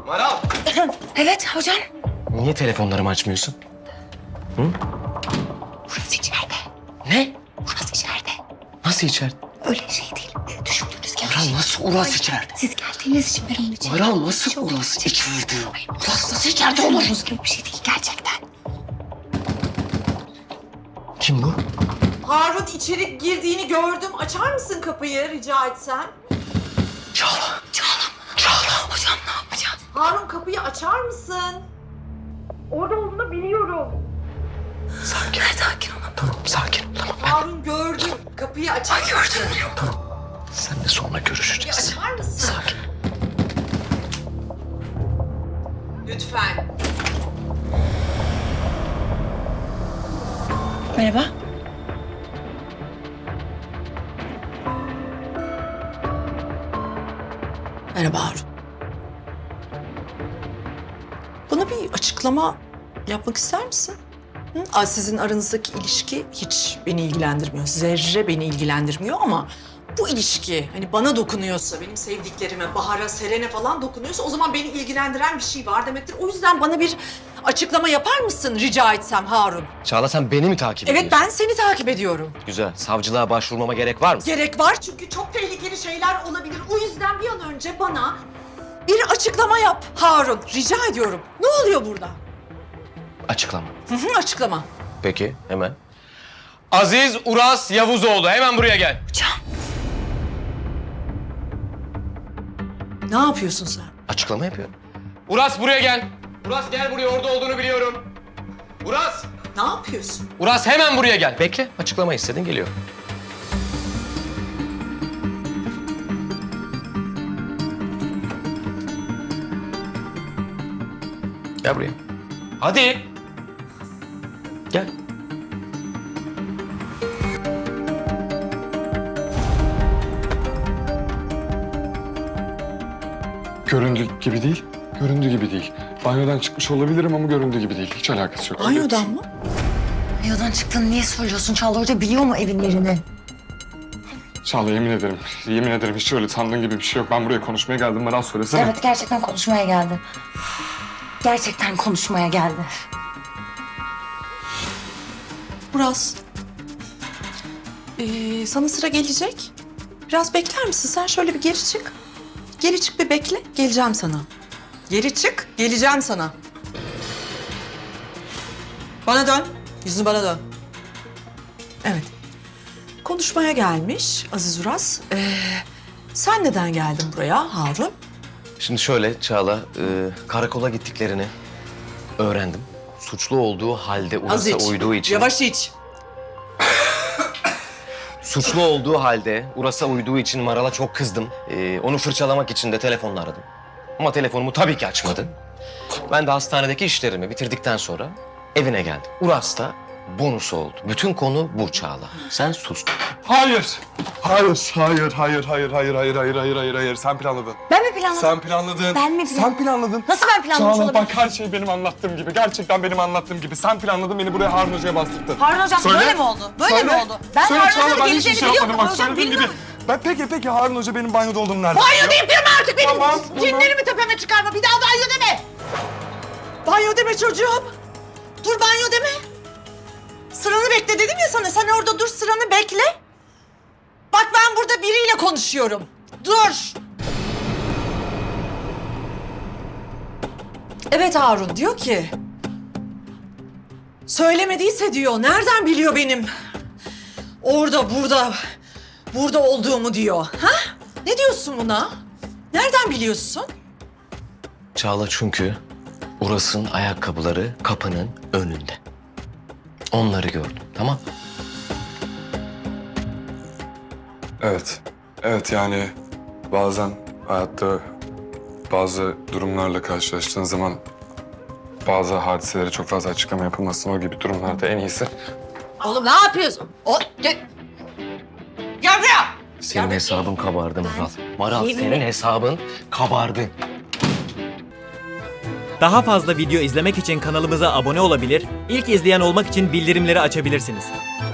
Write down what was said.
Maral! Evet hocam. Niye telefonlarımı açmıyorsun? Hı? Burası içeride. Ne? Burası içeride. Nasıl içeride? Öyle şey değil. Düşündüğünüz gibi. Maral nasıl Uras içeride? Siz geldiğiniz için ben onun için. Maral nasıl Uras içeride? Uras nasıl içeride olur? Düşündüğünüz gibi bir şey değil gerçekten. Kim bu? Harun içeri girdiğini gördüm. Açar mısın kapıyı rica etsem? Çağla. Çağla. Hocam ne yapacağız? Harun kapıyı açar mısın? Orada olduğunu biliyorum. Sakin. Sakin olun. Tamam sakin. Tamam Harun gördüm. Kapıyı açar mısın? tamam. Seninle sonra Kapıyı görüşeceğiz. açar mısın? Sakin. Lütfen. Merhaba. Merhaba Harun. Bana bir açıklama yapmak ister misin? Hı? Sizin aranızdaki ilişki hiç beni ilgilendirmiyor. Zerre beni ilgilendirmiyor ama bu ilişki hani bana dokunuyorsa, benim sevdiklerime, Bahar'a, Seren'e falan dokunuyorsa o zaman beni ilgilendiren bir şey var demektir. O yüzden bana bir açıklama yapar mısın rica etsem Harun? Çağla sen beni mi takip ediyorsun? Evet ben seni takip ediyorum. Güzel. Savcılığa başvurmama gerek var mı? Gerek var çünkü çok tehlikeli şeyler olabilir. O yüzden bir an önce bana bir açıklama yap Harun. Rica ediyorum. Ne oluyor burada? Açıklama. Açıklama. Peki hemen. Aziz Uras Yavuzoğlu hemen buraya gel. Hocam. Ne yapıyorsun sen? Açıklama yapıyorum. Uras buraya gel. Uras gel buraya, orada olduğunu biliyorum. Uras! Ne yapıyorsun? Uras hemen buraya gel. Bekle, açıklama istedin, geliyor. Gel buraya. Hadi. Gel. Göründüğü gibi değil. Göründüğü gibi değil. Banyodan çıkmış olabilirim ama göründüğü gibi değil. Hiç alakası yok. Banyodan mı? Banyodan çıktığını niye söylüyorsun? Çağla Hoca biliyor mu evin yerini? Çağla yemin ederim. Yemin ederim hiç öyle sandığın gibi bir şey yok. Ben buraya konuşmaya geldim. Maral söylesene. Evet gerçekten konuşmaya geldi. Gerçekten konuşmaya geldi. Buraz. Sana sıra gelecek. Biraz bekler misin? Sen şöyle bir geri çık. Geri çık bir bekle. Geleceğim sana. Geri çık. Geleceğim sana. Bana dön. Yüzünü bana dön. Evet. Konuşmaya gelmiş Aziz Uras. Sen neden geldin buraya Harun? Şimdi şöyle Çağla, karakola gittiklerini öğrendim. Suçlu olduğu halde Uras'a uyduğu için... Yavaş iç. Suçlu olduğu halde Uras'a uyduğu için Maral'a çok kızdım. Onu fırçalamak için de telefonla aradım. Ama telefonumu tabii ki açmadı. Ben de hastanedeki işlerimi bitirdikten sonra evine geldim. Uras da bonus oldu. Bütün konu bu Çağla. Sen sus. Hayır. Hayır. Hayır. Sen planladın. Ben mi planladım? Sen planladın. Ben mi Sen planladın. Nasıl ben planlamış Çağla olabilirim? bak her şey benim anlattığım gibi. Gerçekten benim anlattığım gibi. Sen planladın, beni buraya Harun Hoca'ya bastırdın. Harun Hocam Söyle. böyle mi oldu? Böyle Söyle. mi oldu? Ben Söyle Harun Çağla, Hoca'nın ben hiçbir geleceğini şey biliyordum. yapmadım. Bak Hocam söylediğim gibi. bilmiyorum. Ben peki Harun Hoca benim banyoda olduğumu nereden Banyo biliyor? deyip durma artık benim. Tamam, Cinlerimi tepeme çıkarma. Bir daha banyo deme. Banyo deme çocuğum. Dur banyo deme. Sıranı bekle dedim ya sana. Sen orada dur, sıranı bekle. Bak ben burada biriyle konuşuyorum. Dur. Evet Harun diyor ki... Söylemediyse diyor. Nereden biliyor benim? Orada, burada olduğumu diyor. Ha? Ne diyorsun buna? Nereden biliyorsun? Çağla çünkü Uras'ın ayakkabıları kapının önünde. Onları gördüm, tamam? Evet yani bazen hayatta bazı durumlarla karşılaştığın zaman bazı hadiselere çok fazla açıklama yapılmasın. O gibi durumlarda en iyisi. Oğlum ne yapıyorsun? Gel buraya. Senin hesabın kabardı Maral. Maral Yemin senin hesabın kabardı. Daha fazla video izlemek için kanalımıza abone olabilir, ilk izleyen olmak için bildirimleri açabilirsiniz.